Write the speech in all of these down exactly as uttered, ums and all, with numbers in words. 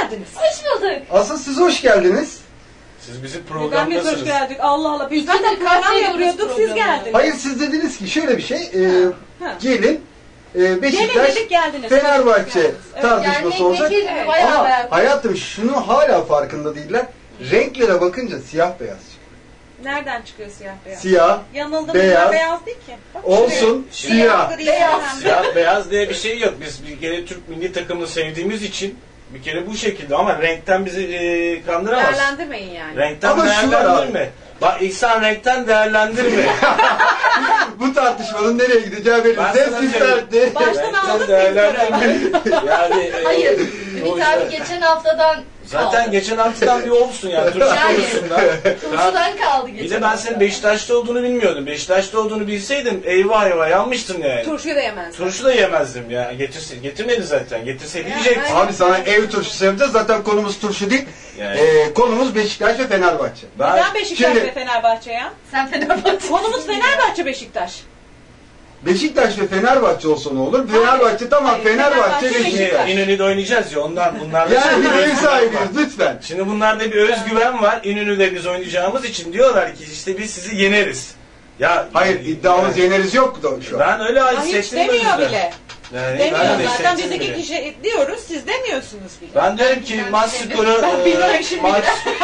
geldiniz. Hoş bulduk. Asıl siz hoş geldiniz. Siz bizim Neden programdasınız. biz hoş geldik? Allah Allah. Biz zaten İkidir kaç program yapıyoruz yapıyorduk, siz programı? geldiniz. Hayır siz dediniz ki şöyle bir şey. E, Ha. gelin e, Gelin Beşiktaş dedik geldiniz. Fenerbahçe Evet. tartışması Gelmek olacak. vekil mi? Evet. Bayağı Ama bayağı. hayatım şunu hala farkında değiller. Renklere bakınca siyah beyaz çıkıyor. Nereden çıkıyor siyah beyaz? Siyah, Yanıldım. beyaz. Beyaz, beyaz değil ki. Bak olsun, şuraya. siyah. Gri, Beyaz. önemli. Siyah beyaz diye bir şey yok. Biz bir kere Türk milli takımını sevdiğimiz için bir kere bu şekilde ama renkten bizi e, kandıramaz. Değerlendirmeyin yani. Renkten Ama şu var değerlendirme. Bak İhsan renkten değerlendirme. Bu tartışmanın nereye gideceği belli. Ben Zevk sana isterdi. Baştan Renkten aldık değerlendirme. Yani e, Hayır. o Ümit abi yüzden- geçen haftadan Zaten kaldı. geçen haftadan bir olsun yani turşu Yani. konusundan. Turşudan kaldı geçen Bir de ben hafta. senin Beşiktaş'ta olduğunu bilmiyordum. Beşiktaş'ta olduğunu bilseydim eyvah eyvah yanmıştın yani. Turşuyu da yemez. Turşu da yemezdim ya. Getirse, getirmedi zaten. Getirseydi Ya, yiyecektin. Abi sana ev turşusu yapacağız. Zaten konumuz turşu değil. Yani. Ee, konumuz Beşiktaş ve Fenerbahçe. Ben, Neden Beşiktaş Şimdi- ve Fenerbahçe ya? Sen Fenerbahçe. Konumuz Fenerbahçe Beşiktaş. Beşiktaş ve Fenerbahçe olsa ne olur? Fenerbahçe tamam, Hayır, Fenerbahçe, Fenerbahçe, Beşiktaş. Beşiktaş. İnönü'de oynayacağız ya ondan bunlarda Yani bir şimdi ev özgüven sahibiyiz var. lütfen. Şimdi bunlarda bir özgüven var. İnönü'de biz oynayacağımız için diyorlar ki işte biz sizi yeneriz. Ya Hayır iddiamız yani, yeneriz yok da şu an. Ben öyle Ha, hiç hissettim demiyor o yüzden. bile. Yani Demiyor ben de zaten biz hissettim iki bile. kişi diyoruz, siz demiyorsunuz bile. Ben derim ki Ben maç bilmiyorum. skoru Ben e, bilmiyorum şimdi. maç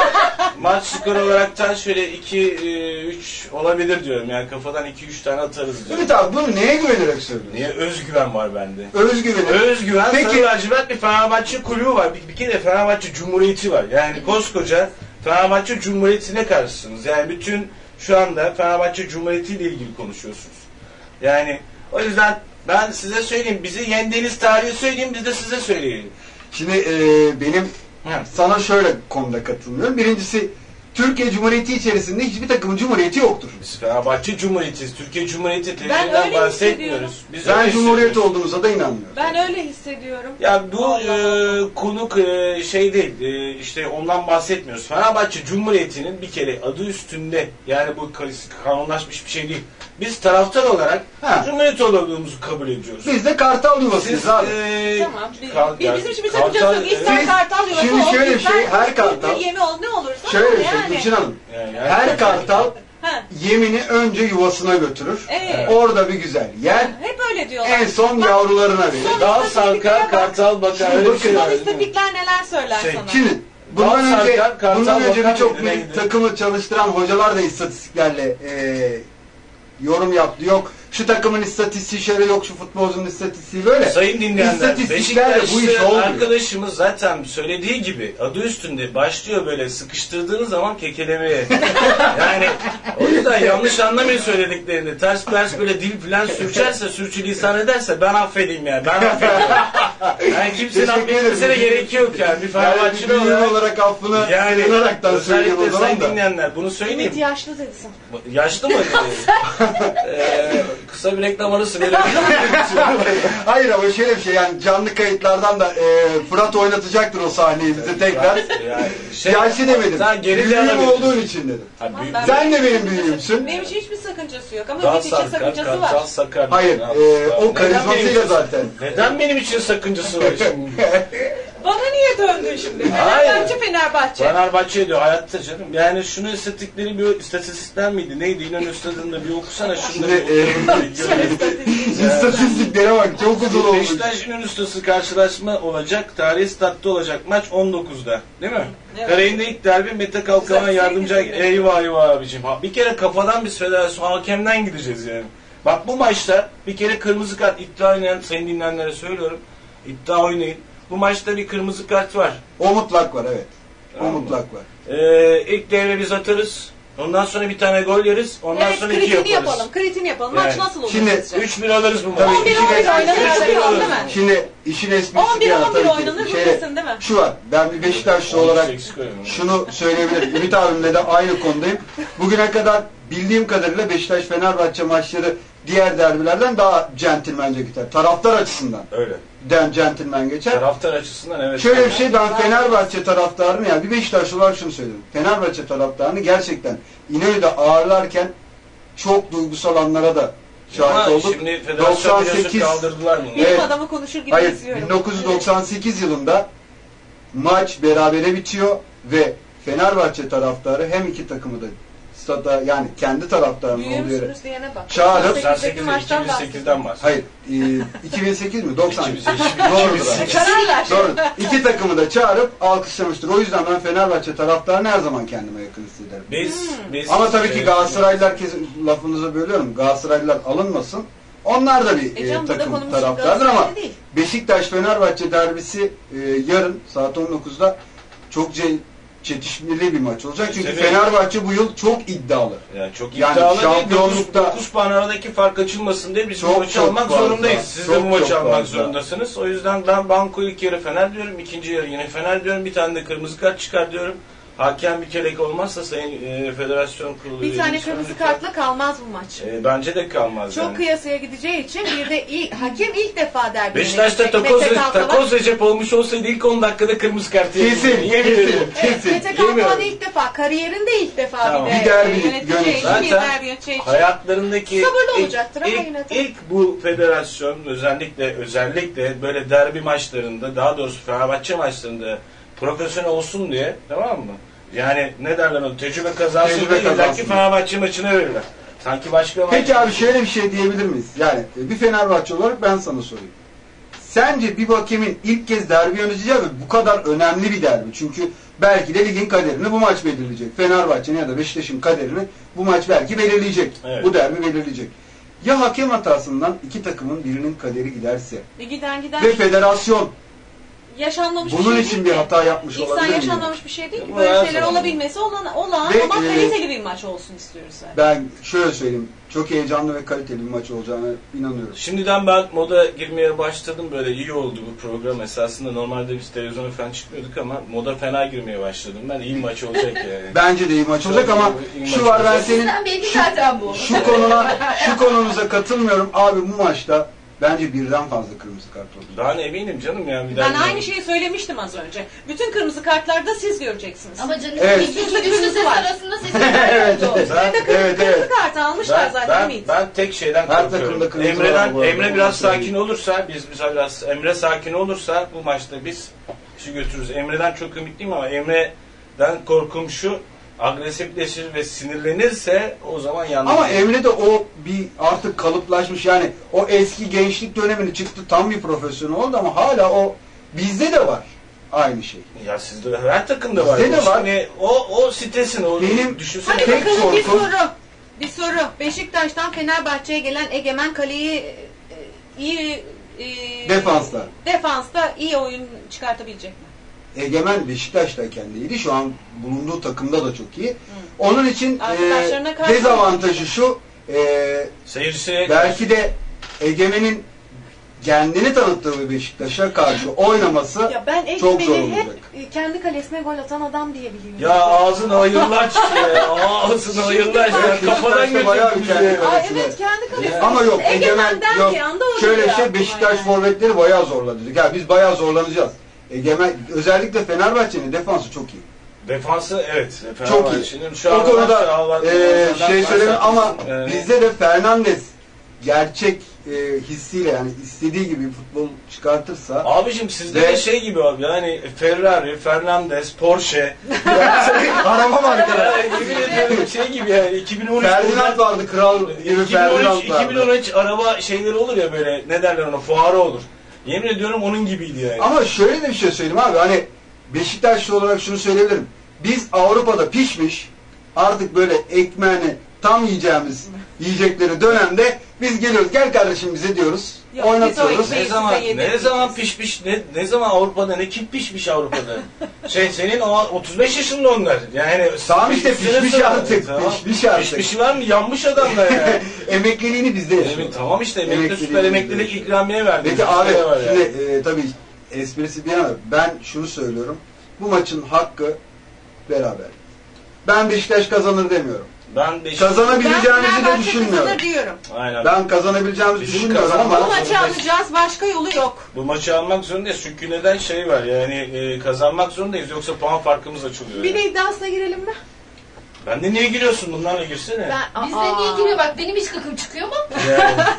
maç skoru olaraktan şöyle iki üç olabilir diyorum. Yani kafadan iki üç tane atarız diyorum. Ümit abi bunu neye güvenerek söylüyorsun? Niye? Özgüven var bende. Özgüveni. Özgüven, Peki- Sarı lacivert bir Fenerbahçe kulübü var. Bir, bir kere Fenerbahçe Cumhuriyeti var. Yani koskoca Fenerbahçe Cumhuriyeti'ne karşısınız. Yani bütün şu anda Fenerbahçe Cumhuriyeti ile ilgili konuşuyorsunuz. Yani o yüzden ben size söyleyeyim. Bizi yendiğiniz tarihi söyleyeyim, biz de size söyleyelim. Şimdi e, benim Ha. sana şöyle konuda katılmıyorum. Birincisi Türkiye Cumhuriyeti içerisinde hiçbir takımın cumhuriyeti yoktur. Biz Fenerbahçe Cumhuriyeti'yiz. Türkiye Cumhuriyeti Ben televizyondan öyle bahsetmiyoruz. Biz Ben öyle cumhuriyet hissediyoruz. olduğunuza da inanmıyorum. Ben öyle hissediyorum. Ya bu Allah e, Allah. konuk e, şey değil, e, işte ondan bahsetmiyoruz. Fenerbahçe Cumhuriyeti'nin bir kere adı üstünde, yani bu kanunlaşmış bir şey değil. Biz taraftar olarak Ha. Cumhuriyet olduğumuzu kabul ediyoruz. Biz de kartal yuvasıyız Siz, abi. e, Tamam. Biz, kal- biz- yani bizim için bir kartal- sakıncası yok. İster Siz- kartal yuvası şimdi olsun, şöyle bir ister şey, her bir kartal- yemi ol, ne olursa Şöyle bir ol şey yani. Gülçin Hanım. Yani Her kartal Ha, yemini önce yuvasına götürür. evet. Orada bir güzel yer. Hep öyle diyorlar. En son Bak, yavrularına verir. son- Dal sarkar, kartal bakar. Şimdi Öyle bir şey bakın, var, Son değil mi? istatikler neler söyler Şey, sana? Şimdi bundan Dal önce sarkar, kartal bundan önce bakar birçok mıydı, milli neydi? takımı çalıştıran hocalar da istatistiklerle e, yorum yaptı. Yok şu takımın istatistiği şöyle, yok şu futbolcunun istatistiği böyle. Sayın dinleyenler, İstatistiklerle bu iş Beşiktaşlı olmuyor. arkadaşımız zaten söylediği gibi adı üstünde başlıyor böyle sıkıştırdığınız zaman kekelemeye. Yani o yüzden yanlış anlamayın söylediklerini. Ters ters böyle dil falan sürçerse, sürçülisan ederse ben affedeyim yani. Ben affedeyim. Yani kimsenin Teşekkür affetmesine ederim. gerek yok yani. Bir Yani Fenerbahçeli bir büyüğüm olarak. olarak affını Yani sığınaraktan söyleyeyim o özellikle zaman sayın da. dinleyenler bunu söyleyeyim. Ümit yaşlı dedin. Yaşlı mı? ee, kısa bir reklam arası verelim. Hayır ama şöyle bir şey, yani canlı kayıtlardan da e, Fırat oynatacaktır o sahneyi bize tekrar. Yani şey, Yaşlı demedim. Sen geri Büyüğüm plana olduğun için dedim. Ha, büyük- Ben- Sen de benim büyüğümsün. Benim için hiçbir sakıncası yok ama Dal Ümit için sarkar, sakıncası kartal var. sakar. Hayır, Ya, e, o neden karizmasıyla benim için- zaten. Neden benim için sakıncası var şimdi? Bana niye döndün şimdi? Hayır. Fenerbahçe Fenerbahçe. Fenerbahçe diyor hayatta canım. Yani şunu istatistikleri bir istatistikler miydi? Neydi? İnönü Stadı'nda bir okusana şunu. Şimdi, e, İstatistiklere bak, çok uzun olmuş. Beşiktaş İnönü Stadı karşılaşma olacak. Tarihi statta olacak maç on dokuzda. Değil mi? Evet. Karayında ilk derbi Mete Kalkavan Güzel, yardımcı. sevgili. Eyvah eyvah abicim. Ha, bir kere kafadan biz federasyon hakemden gideceğiz yani. Bak bu maçta bir kere kırmızı kart iddia oynayan sayın dinleyenlere söylüyorum. İddia oynayın. Bu maçta bir kırmızı kart var. O mutlak var, evet. O Tamam. mutlak var. Ee, ilk devre biz atarız. Ondan sonra bir tane gol yeriz. Ondan Evet, sonra iki kritini yaparız. yapalım. Kritini yapalım. Yani. Maç nasıl olur Şimdi sizce? üç bir alırız bu maçı. Tabii on bir işin on bir esprisi- oynanır üç bir değil alırız. mi? Şimdi işin esprisi on bir bir yana on bir tabii ki. oynanır Şey, bilirsin değil mi? Şu var, ben bir Beşiktaşlı olarak şunu söyleyebilirim. Ümit abimle de aynı konudayım. Bugüne kadar bildiğim kadarıyla Beşiktaş-Fenerbahçe maçları diğer derbilerden daha centilmence gider. Taraftar açısından Öyle. den centilmen geçer. Taraftar açısından evet. Şöyle bir şey, ben Fenerbahçe taraftarını, yani bir Beşiktaşlı olarak şunu söylüyorum. Fenerbahçe taraftarını gerçekten İnönü'de ağırlarken çok duygusal anlara da şahit Ama olduk. şimdi federasyon biliyorsun doksan sekiz kaldırdılar bunu. Bilim Evet. adamı konuşur gibi Hayır, istiyorum. bin dokuz yüz doksan sekiz yılında maç berabere bitiyor ve Fenerbahçe taraftarı hem iki takımı da stada, yani kendi taraftarının olduğu yere Büyümüşsünüz diyene bak. çağırıp doksan sekizdeki sekizde maçtan iki bin sekizden bahsediyorum. hayır e, iki bin sekiz mi? doksan iki bin sekiz. Doğrudur. abi. Karar ver. Doğru. İki takımı da çağırıp alkışlamıştır. O yüzden ben Fenerbahçe taraftarını her zaman kendime yakın hissederim. Biz, biz, Ama tabii ki e, Galatasaraylılar, kesin lafınızı bölüyorum, Galatasaraylılar alınmasın. Onlar da bir E e, canım, burada takım konumuz taraftardır ama Galatasaray'da değil. Beşiktaş-Fenerbahçe derbisi e, yarın saat on dokuzda çok ce- çetişmeli bir maç olacak. Çünkü Evet. Fenerbahçe bu yıl çok iddialı. Yani çok Yani iddialı şampiyonlukta- değil. dokuz puan aradaki fark açılmasın diye biz Çok, bu maçı çok almak fazla. zorundayız. Siz Çok, de bu maçı çok almak fazla. zorundasınız. O yüzden ben banko ilk yarı Fener diyorum. İkinci yarı yine Fener diyorum. Bir tane de kırmızı kart çıkar diyorum. Hakem bir kelek olmazsa Sayın e, Federasyon Kurulu Bir üyeleri tane kırmızı lütfen. kartla kalmaz bu maç. E, bence de kalmaz Çok yani. kıyasıya gideceği için bir de ilk, hakem ilk defa derbi Beşiktaş'ta yönetecek. takoz, Mete Kalkavan- takoz Recep olmuş olsaydı ilk on dakikada kırmızı kart Kesin, yedim. Yemin kesin. ederim. Evet, Mete Kalkavan Yemiyorum. ilk defa, kariyerinde ilk defa Tamam. bir de Bir derbi yöneteceği yönetecek. için, bir Zaten derbi yöneteceği için. Hayatlarındaki Sabırlı ilk, olacaktır ama ilk, yine de. ilk bu federasyon özellikle özellikle böyle derbi maçlarında, daha doğrusu Fenerbahçe maçlarında profesyonel olsun diye, tamam mı? Yani ne derler o tecrübe kazansın Tecrübe diye illa kazansın. ki Fenerbahçe maçına verirler. Sanki başka Peki maç- abi şöyle bir şey diyebilir miyiz? Yani e, bir Fenerbahçe olarak ben sana sorayım. Sence bir hakemin ilk kez derbi yöneteceği ve bu kadar önemli bir derbi. Çünkü belki de ligin kaderini bu maç belirleyecek. Fenerbahçe'nin ya da Beşiktaş'ın kaderini bu maç belki belirleyecek. Evet. Bu derbi belirleyecek. Ya hakem hatasından iki takımın birinin kaderi giderse E giden giden ve federasyon yaşanmamış bunun bir şey için değil bir ki. hata yapmış İnsan olabilir mi? yaşanmamış bir şey değil ki. Bu Böyle her şeyler zaman. olabilmesi olan, olan Ve, ama e, kaliteli bir maç olsun istiyoruz zaten. ben şöyle söyleyeyim. Çok heyecanlı ve kaliteli bir maç olacağına inanıyorum. Şimdiden ben moda girmeye başladım. Böyle iyi oldu bu program. Esasında normalde biz televizyona falan çıkmıyorduk ama moda fena girmeye başladım. Ben iyi maç olacak yani. Bence de iyi maç olacak Çok ama iyi- iyi şu maç var, ben olacak. senin Sizden belli zaten bu. şu konuna şu konunuza katılmıyorum. Abi bu maçta bence birden fazla kırmızı kart oldu. Daha ne eminim canım ya. Bir Ben daha- aynı şeyi söylemiştim az önce. Bütün kırmızı kartlarda siz göreceksiniz. Ama canım Evet. iki iki güçlü ses var. arasında sesin evet. oldu. Ben- Ve de kırmızı, evet, evet. kırmızı kartı almışlar Ben, zaten ben, Ümit. ben tek şeyden Her korkuyorum. takımda kırmızı var Emre'den, bu arada. Emre biraz Onu söyleyeyim. sakin olursa, biz biz biraz Emre sakin olursa bu maçta biz işi götürürüz. Emre'den çok ümitliyim ama Emre'den korkum şu, agresifleşir ve sinirlenirse o zaman yanlış. Ama Emre de o bir artık kalıplaşmış, yani o eski gençlik dönemini çıktı, tam bir profesyonel oldu ama hala o bizde de var aynı şey. Ya sizde her takımda var. Bizde de var. Şimdi o o stresin o Benim- düşünsene. Hadi tek bakalım bir korkum- soru. Bir soru. Beşiktaş'tan Fenerbahçe'ye gelen Egemen Kale'yi e, iyi e, Defanslar. defansta iyi oyun çıkartabilecek mi? Egemen Beşiktaş'tayken de iyiydi. Şu an bulunduğu takımda da çok iyi. Onun için Arkadaşlarına e, karşı- dezavantajı şu, e, Seyircisiye belki de Egemen'in kendini tanıttığı bir Beşiktaş'a karşı oynaması Ya ben çok zor Egemen'i hep olacak. e, kendi kalesine gol atan adam diye biliyorum. ya ağzına hayırlar çıktı ya. Ağzına hayırlar çıktı. Evet, Kafadan Beşiktaş'ta bayağı bir götürdünüz kendi ya. Aa, kalesine. evet kendi kalesine. Ama yok, Egemen Egemen der yok. ki anda oluyor Şöyle aklıma şey, Beşiktaş yani. forvetleri bayağı zorladı. Ya biz bayağı zorlanacağız. Egemen, özellikle Fenerbahçe'nin defansı çok iyi. Defansı evet. Çok iyi. Fenerbahçe'nin şu O an konuda var, e, var, şey var, söyleyeyim var, ama yani- bizde de Fernandes gerçek e, hissiyle, yani istediği gibi futbol çıkartırsa Abicim sizde Ve- de şey gibi abi yani Ferrari, Fernandes, Porsche. araba markaları. Yani yemin ediyorum şey gibi yani iki bin on üç Ferdinand vardı, kral gibi iki bin on üç, Ferdinand iki bin vardı. on üç araba şeyleri olur ya böyle ne derler ona fuarı olur. Yemin ediyorum onun gibiydi yani. Ama şöyle de bir şey söyleyeyim abi, hani Beşiktaşlı olarak şunu söyleyebilirim. Biz Avrupa'da pişmiş, artık böyle ekmeğini tam yiyeceğimiz yiyecekleri dönemde biz geliyoruz, gel kardeşim bize diyoruz, Yok, oynatıyoruz. biz o ne ekmeği zaman size ne yedireceğiz. zaman pişmiş ne ne zaman Avrupa'da ne kim pişmiş Avrupa'da? şey senin o otuz beş yaşında onlar. Yani Tamam işte, pişmişleri pişmiş sonra- artık, Tamam. pişmiş artık. Pişmişi var mı? Yanmış adamlar yani. Emekliliğini bizde yaşıyor. Evet, tamam işte emekli Emekliliğini süper bizde emeklilik yaşıyor. ikramiye verdi. Peki abi, Bizde var yani. şimdi e, tabii esprisi bir yana, ben şunu söylüyorum. Bu maçın hakkı beraber. Ben Beşiktaş kazanır demiyorum. Ben Beşiktaş Kazanabileceğimizi Ben de Fenerbahçe düşünmüyorum. kazanır diyorum. Aynen. Ben kazanabileceğimizi Bizim düşünmüyorum kazanma- Bu ama maçı alacağız, başka yolu yok. Bu maçı almak zorundayız çünkü neden şey var yani e, kazanmak zorundayız yoksa puan farkımız açılıyor. Bir yani. de iddiasına girelim mi? Ben de niye giriyorsun bunlarla girsene. Ben, Bizde Aa. niye giriyor bak benim hiç gıkım çıkıyor mu? Yani, Yani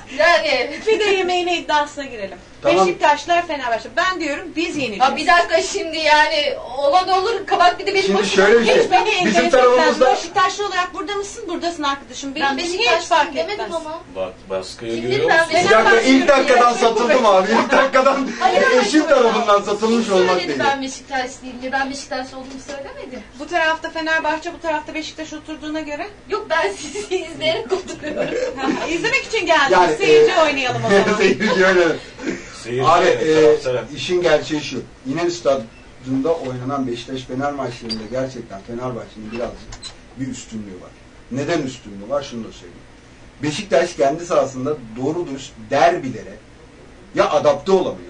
Yani. Bir de yemeğine iddiasına girelim. Tamam. Beşiktaşlar Fenerbahçe. Ben diyorum biz yeneceğiz. Ya bir dakika şimdi yani olan olur kabak bir de benim Şimdi başıma. şöyle bir şey. Hiç beni Bizim enteresan. tarafımızda Beşiktaşlı olarak burada mısın? Buradasın arkadaşım. Benim Ben hiç Beşiktaş fark demedim etmez. ama. Bak baskıyı Kimdir görüyor ben musun? bir dakika ilk dakikadan satıldım abi. İlk dakikadan Hayır, hayır, eşim hayır. tarafından satılmış Kim olmak söyledi değil. ben Beşiktaş değilim. Ben Beşiktaş olduğumu söylemedim. Bu tarafta Fenerbahçe, bu tarafta Beşiktaş oturduğuna göre. Yok ben sizi izleyerek oturuyorum. Ha, İzlemek için geldim. Yani, Seyirci e, oynayalım o zaman. Seyirci öyle. Seyirci, Abi taraftarı. e, işin gerçeği şu. İnönü Stadyumunda oynanan Beşiktaş-Fener maçlarında gerçekten Fenerbahçe'nin birazcık bir üstünlüğü var. Neden üstünlüğü var? Şunu da söyleyeyim. Beşiktaş kendi sahasında doğru dürüst derbilere ya adapte olamıyor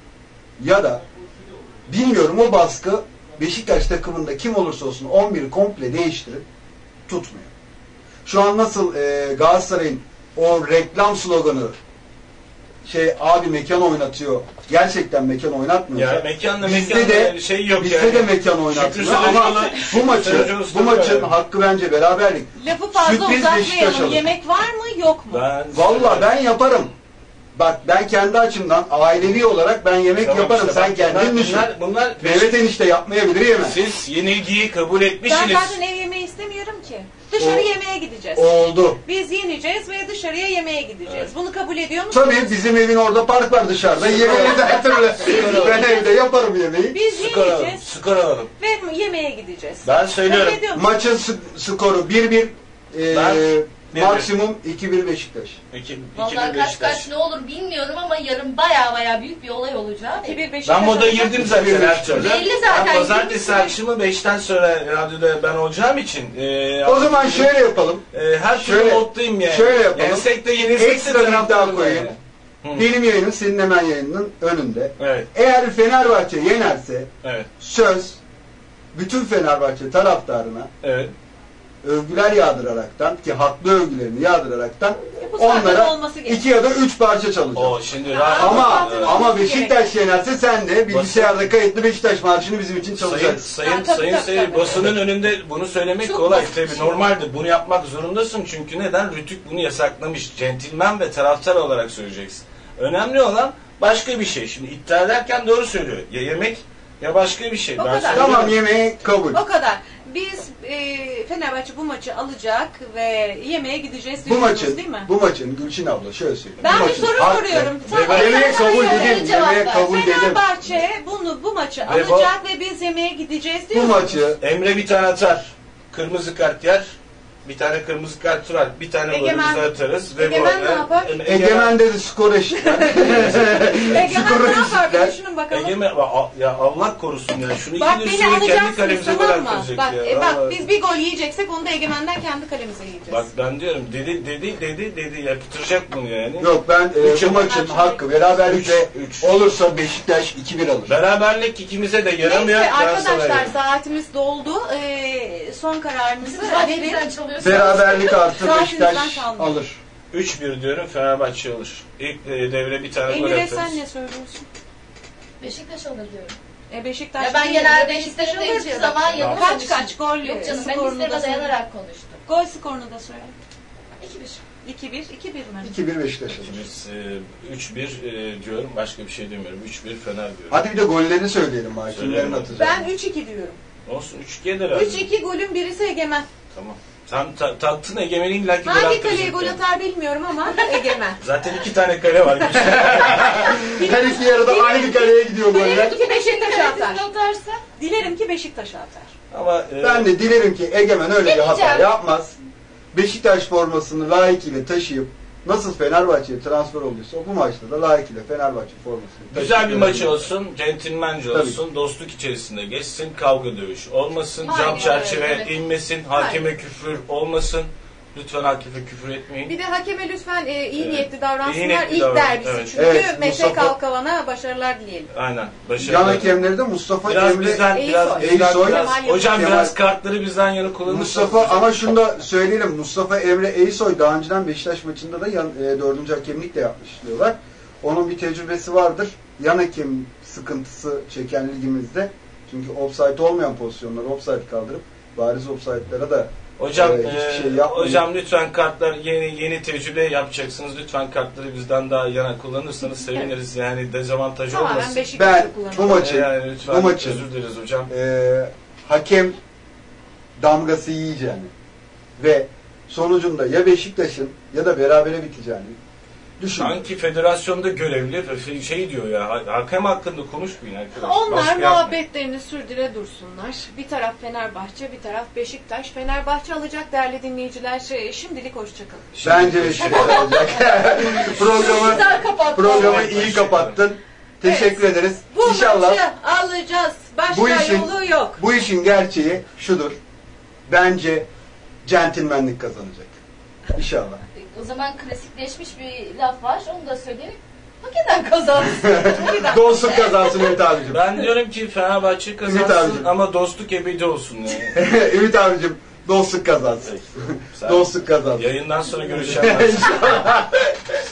ya da bilmiyorum o baskı Beşiktaş takımında kim olursa olsun on biri komple değiştirip tutmuyor. Şu an nasıl e, Galatasaray'ın o reklam sloganı şey abi mekan oynatıyor. Gerçekten mekan oynatmıyor. Ya mekanla bizde mekanla de şey yok bizde yani. de mekan Şükrü oynatmıyor ama Saracoğlu- bu maçı Saracoğlu bu maçın var. hakkı bence beraberlik. Lafı fazla Sürpriz Beşiktaş uzatmayalım. alır. Yemek var mı yok mu? Ben Vallahi ben yaparım. Bak ben kendi açımdan ailevi olarak ben yemek Tamam yaparım. işte Sen bak, kendin bunlar- düşün. Bunlar, bunlar Mehmet enişte yapmayabilir yemez. siz yenilgiyi kabul Ben etmişsiniz. zaten ev yemeği istemiyorum ki. Dışarı O- yemeğe gideceğiz. Oldu. Biz yeneceğiz ve dışarıya yemeğe gideceğiz. Bunu kabul ediyor musun? Tabii bizim evin orada park var dışarıda. Yemeği de her türlü. Ben evde yaparım yemeği. Biz Skor alalım. yiyeceğiz Skor alalım. ve yemeğe gideceğiz. Ben söylüyorum. Kabul ediyor musun? Maçın sk- skoru bir bir. Ee, Ben- bir bir. maksimum iki bir Beşiktaş. İki, iki Vallahi bir kaç Beşiktaş. kaç ne olur bilmiyorum ama yarın baya baya büyük bir olay olacak. iki bir Beşiktaş Ben moda olacak. girdim zaten her türlü. Belli zaten, Ben pazartesi girmişsin. akşamı beşten sonra radyoda ben olacağım için. E, O zaman şöyle yapalım. e, her türlü şöyle- moddayım yani. şöyle yapalım. Yensek de yenilsek de Ekstra bir iddia taraftarım koyayım. yani. Hı. Benim yayınım senin hemen yayınının önünde. Evet, Eğer Fenerbahçe yenerse evet, söz bütün Fenerbahçe taraftarına evet. övgüler yağdıraraktan ki haklı övgülerini yağdıraraktan Bu zaten onlara olması gerekiyor. iki ya da üç parça çalacağım. O şimdi Ya, rahat- Ama zaten ama olması Beşiktaş yenerse sen de bilgisayarda kayıtlı Beşiktaş marşını bizim için Sayın çalacaksın. sayın Ha, tabii, sayın tabii, seyir tabii. basının önünde bunu söylemek Çok kolay basit tabii bir şey. normaldir. Bunu yapmak zorundasın çünkü neden? Rütük bunu yasaklamış. Centilmen ve taraftar olarak söyleyeceksin. Önemli olan başka bir şey. Şimdi iddia ederken doğru söylüyor. Ya yemek ya başka bir şey. O Ben kadar. söylüyorum. Tamam yemeği kabul. O kadar. Biz e, Fenerbahçe bu maçı alacak ve yemeğe gideceğiz Bu diyorsunuz maçın değil mi? bu maçın Gülçin abla şöyle söyleyeyim. Ben bu bir maçın soru hakkı- soruyorum. Ve Tamam, yemeğe sen kabul bana dedim. söyle, cevap Yemeğe ver. kabul dedim. Fenerbahçe bunu bu maçı Ve bu- alacak ve biz yemeğe gideceğiz Bu diyorsunuz. maçı Emre bir tane atar. Kırmızı kart yer. Bir tane kırmızı kart var. Bir tane Egemen- golümüzü atarız. Ve Egemen bu- ne yapar? Em- Egemen dedi skor eşitler. Egemen Skoru ne yapar? eşitler. Bir düşünün bakalım. Egemen a- ya Allah korusun ya. Şunu Bak iki beni üstüne kendi alacaksınız kalemize gol tamam mı? attıracak Bak, ya. e, bak Vallahi. biz bir gol yiyeceksek onu da Egemen'den kendi kalemize yiyeceğiz. Bak ben diyorum dedi dedi dedi dedi yaptıracak bunu yani. Yok ben e, Üç bu ama- maçın hakkı beraberlikle Üç, üç. olursa Beşiktaş iki bir alır. Beraberlik ikimize de yaramıyor. Neyse Galatasaray'a arkadaşlar yarıyor. saatimiz doldu. Ee, son kararımızı Zaten verin. sen çalıyorsun. Beraberlik artı Saatinizden Beşiktaş çalma. alır. üç bir diyorum Fenerbahçe alır. İlk e, devre bir tane gol Emir'e atarız. sen ne söylüyorsun? Beşiktaş alır diyorum. E, Beşiktaş Ya ben değil, genelde Beşiktaş hislerimde alır hiçbir diyorum. zaman yanılmamışım. Kaç kaç gol Yok canım ben skorunu da hislerime söyle. dayanarak konuştum. Gol skorunu da söyle. iki bir. iki bir, iki bir mi? iki bir Beşiktaş alır. Biz e, üç bir e, diyorum. Başka bir şey demiyorum. üç bir Fener diyorum. Hadi bir de golleri söyleyelim bari. Söyleyelim. Kimlerin atacağını. Ben üç iki diyorum. Olsun üç gelir abi. üç iki golün birisi Egemen. Tamam. Sen ta, taktın Egemen'in illaki gol Hangi attıracak kaleye gol yani. atar bilmiyorum ama Egemen. Zaten iki tane kale var. Her iki yarıda aynı kaleye gidiyor goller. Dilerim ki Beşiktaş atar. atarsa. Dilerim ki Beşiktaş atar. Ama e, Ben de dilerim ki Egemen öyle bir hata Demeyeceğim. yapmaz. Beşiktaş formasını layıkıyla taşıyıp nasıl Fenerbahçe'ye transfer olduysa bu maçta da layıkıyla Fenerbahçe formasını taşıyıp güzel bir maç görebilir. olsun, centilmence Tabii. olsun, dostluk içerisinde geçsin, kavga dövüş olmasın, Aynen cam öyle, çerçeve evet. inmesin, hakeme küfür olmasın. Lütfen hakeme küfür etmeyin. Bir de hakeme lütfen e, iyi Evet. niyetli davransınlar. İyi niyetli İlk davran- derbisi evet. çünkü Evet, Mete Mustafa- Kalkavan'a başarılar dileyelim. Aynen. Yan Başarılı. hakemleri de Mustafa Biraz Emre bizden, Eysoy. biraz bizden, Eysoy. biraz. Kemal Hocam Kemal- biraz kartları bizden yana kullanırsanız. Mustafa ama şunu da söyleyelim. Mustafa Emre Eysoy daha önceden Beşiktaş maçında da yan, e, dördüncü hakemlik de yapmış diyorlar. Onun bir tecrübesi vardır. Yan hakem sıkıntısı çeken ligimizde. Çünkü offside olmayan pozisyonları offside kaldırıp bariz offside'lara da Hocam, Ee, hiçbir e, şey yapmayın. hocam lütfen kartlar yeni yeni tecrübe yapacaksınız. Lütfen kartları bizden daha yana kullanırsanız seviniriz. Yani dezavantaj Tamamen olmasın. Beşiktaş'ı Ben kullanalım. bu maçı, Yani lütfen bu maçı özür dileriz hocam. e, hakem damgası yiyeceğini ve sonucunda ya Beşiktaş'ın ya da berabere biteceğini düşünüyorum. Sanki federasyonda görevli şey diyor ya, hakem hakkında konuşmayın arkadaşlar. Onlar Baskı yapmayın. muhabbetlerini sürdüre dursunlar. Bir taraf Fenerbahçe, bir taraf Beşiktaş. Fenerbahçe alacak değerli dinleyiciler. Şey, şimdilik hoşçakalın. Bence Beşiktaş alacak. programı Güzel kapattın. programı iyi kapattın. Teşekkür ederiz. Bu İnşallah maçı alacağız. Başka bu işin yolu yok. bu işin gerçeği şudur. Bence centilmenlik kazanacak. İnşallah. O zaman klasikleşmiş bir laf var. Onu da söyleyelim. Hak eden kazansın. Dostluk kazansın Ümit abicim. Ben diyorum ki Fenerbahçe Ümit kazansın abicim. ama dostluk ebedi olsun yani. Ümit abicim dostluk kazansın. Sen Dostluk kazansın. yayından sonra görüşeceğim. İnşallah.